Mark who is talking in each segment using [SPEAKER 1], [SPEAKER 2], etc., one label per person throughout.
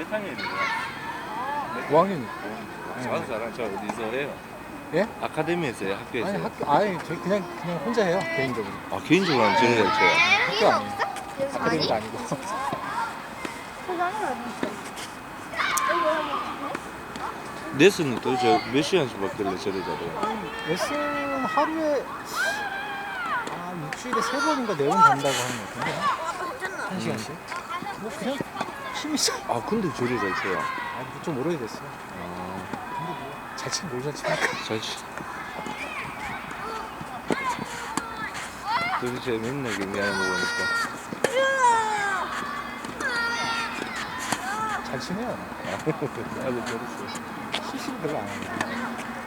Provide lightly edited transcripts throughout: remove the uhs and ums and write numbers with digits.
[SPEAKER 1] 몇 학년이에요?
[SPEAKER 2] 5학년이.
[SPEAKER 1] 저도 잘한 저 어디서 해요?
[SPEAKER 2] 예?
[SPEAKER 1] 아카데미에서 해요? 학교에서
[SPEAKER 2] 아니
[SPEAKER 1] 해요?
[SPEAKER 2] 아니 저희 그냥 혼자 해요 개인적으로.
[SPEAKER 1] 아 개인적으로 하는 저를 잘 쳐요?
[SPEAKER 2] 학교 아니에요. 아카데미도 아니고.
[SPEAKER 1] 레슨은 도대체 몇 시간씩 받길래 저를 잘해요?
[SPEAKER 2] 레슨 하루에 일주일에 3번인가 4번 간다고 하는 것 같은데 1시간씩. 뭐 그냥 취미죠.
[SPEAKER 1] 아 근데 저를 잘 쳐요?
[SPEAKER 2] 좀 오래됐어요.
[SPEAKER 1] 아,
[SPEAKER 2] 근데 뭐 잘 치긴 뭘 잘 칩니까?
[SPEAKER 1] 잘 치. 도대체 맨날 경기하는 거 보니까
[SPEAKER 2] 잘 치네요.
[SPEAKER 1] 나도 그랬어.
[SPEAKER 2] 실수를 별로 안 해요.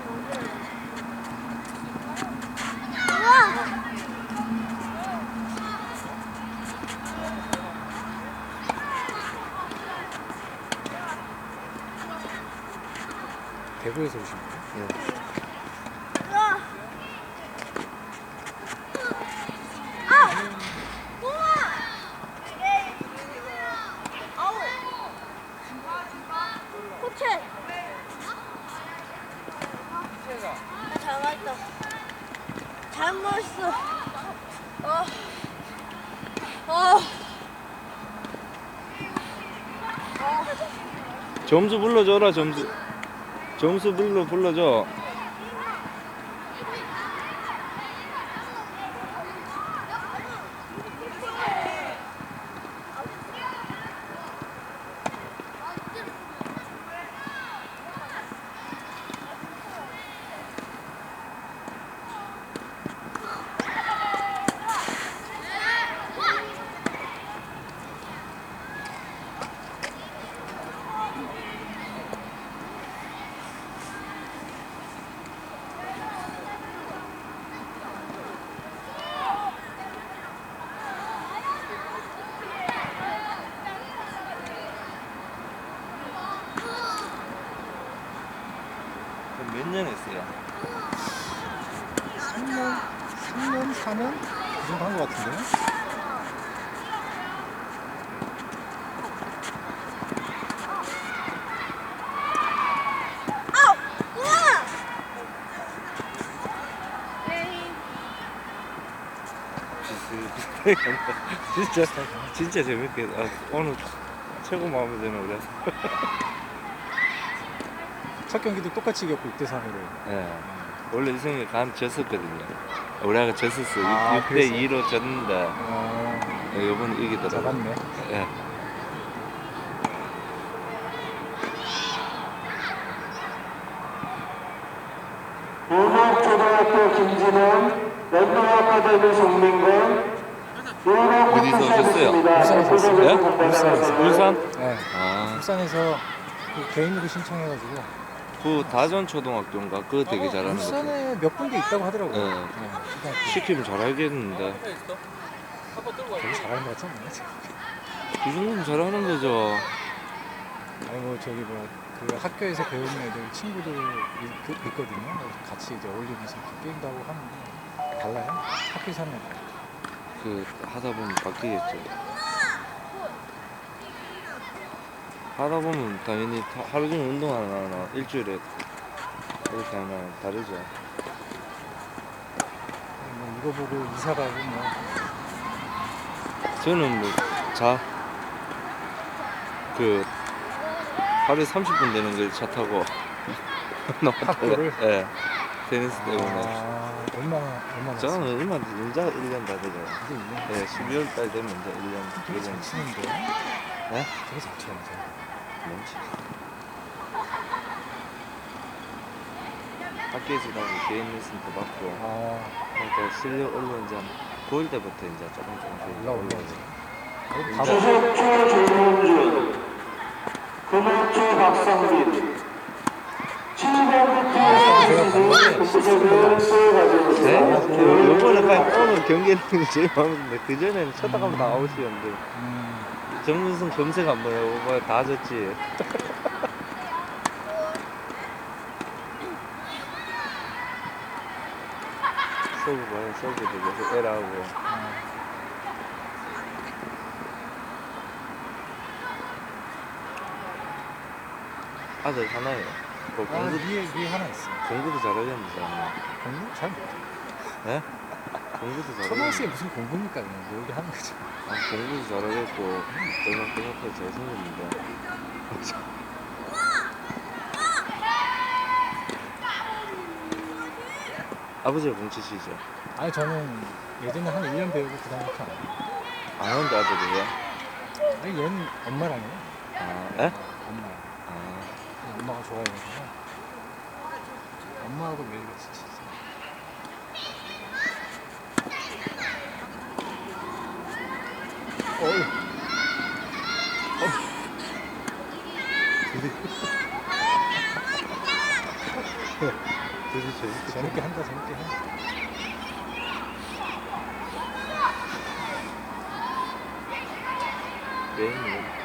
[SPEAKER 2] 대구에서 오신 거예요?
[SPEAKER 1] 네.
[SPEAKER 3] 잘 맞다. 잘 먹었어.
[SPEAKER 1] 점수 불러줘라 점수. 점수 불러줘. 몇 년 했어요?
[SPEAKER 2] 3년, 4년? 그 정도 한 것 같은데요?
[SPEAKER 1] 진짜 재밌게 오늘 최고 마음에 드는 우리
[SPEAKER 2] 첫 경기도 똑같이 이겼고 6대3으로.
[SPEAKER 1] 예. 원래 이승이 졌었거든요. 우리가 졌었어.
[SPEAKER 2] 아,
[SPEAKER 1] 6대2로 졌는데 이번 이기더라고.
[SPEAKER 2] 잡았네.
[SPEAKER 1] 예.
[SPEAKER 4] 용학초등학교 김진원, 연동아카데미 송민건,
[SPEAKER 1] 어디서 오셨어요?
[SPEAKER 2] 울산에서 왔어요.
[SPEAKER 1] 울산에서. 울산?
[SPEAKER 2] 네.
[SPEAKER 1] 아,
[SPEAKER 2] 울산에서 그 개인으로 신청해가지고
[SPEAKER 1] 그 다전 초등학교인가? 그거 되게 잘하는 거.
[SPEAKER 2] 울산에 몇 군데 있다고 하더라고요.
[SPEAKER 1] 네.
[SPEAKER 2] 초등학교.
[SPEAKER 1] 시키면 잘하겠는데.
[SPEAKER 2] 되게 잘하는 것 같지 않나요?
[SPEAKER 1] 이 정도면 잘하는 거죠.
[SPEAKER 2] 아니 뭐 저기 뭐 그 학교에서 배우는 애들 친구들 있거든요. 그래서 같이 이제 어울리면서 이렇게 게임도 하고 하는데 달라요. 학교에서 하는 애들.
[SPEAKER 1] 그 하다 보면 바뀌겠죠. 하다 보면 당연히 하루 종일 운동하나 일주일에 이렇게 하나 다르죠.
[SPEAKER 2] 뭐 이거 보고 이사 가고 뭐
[SPEAKER 1] 저는 뭐 그 하루에 30분 되는 걸 차 타고 나왔다가
[SPEAKER 2] 학교를?
[SPEAKER 1] 예. 테니스 때문에.
[SPEAKER 2] 얼마나
[SPEAKER 1] 저는 얼마 이제 1년 다 되죠.
[SPEAKER 2] 이제 1년
[SPEAKER 1] 예, 12월 달 되면 이제 1년.
[SPEAKER 2] 되게 잘 치는데.
[SPEAKER 1] 네?
[SPEAKER 2] 되게 잘 치는데.
[SPEAKER 1] 뭔지. 학교에서 나고 개인 레슨도 받고 그러니까 실력 올라온 지 한 9월 때부터 이제 조금
[SPEAKER 2] 올라오죠.
[SPEAKER 4] 주석초 조문준, 금호초 박상민, 7번부터 공부적인 수요
[SPEAKER 1] 네?
[SPEAKER 4] 과정에서
[SPEAKER 1] 요번에 오늘 경기하는 게 제일 마음에 드는데 그전에는 쳐다가면 다 아웃이었는데 정문승 검색 한번 해보고 다 졌지. 서브 봐요. 서브도 계속 에러하고. 아들 하나예요. 뭐
[SPEAKER 2] 아,
[SPEAKER 1] 공부,
[SPEAKER 2] 위에 하나 있어.
[SPEAKER 1] 공부도 잘하겠는데.
[SPEAKER 2] 공부 잘 못해.
[SPEAKER 1] 네? 공부도
[SPEAKER 2] 초등학생이
[SPEAKER 1] 잘하겠는데.
[SPEAKER 2] 무슨 공부입니까? 그냥 놀게 하는 거죠.
[SPEAKER 1] 아, 공부도 잘하겠고, 얼마 생각보다 잘생겼는데. 아버지가 공치시죠?
[SPEAKER 2] 아니 저는 예전에 한 1년 배우고 그 다음부터 안 해요.
[SPEAKER 1] 안 하는데 아들이에요?
[SPEAKER 2] 아니 얘는 엄마랑 해요.
[SPEAKER 1] 아, 에?
[SPEAKER 2] 엄마랑.
[SPEAKER 1] 아,
[SPEAKER 2] 그냥 엄마가 좋아해가지고 엄마하고 매일 같이 치지. 어이.
[SPEAKER 1] 되게 재밌게.
[SPEAKER 2] 재밌게 한다 재밌게 해.
[SPEAKER 1] 게임을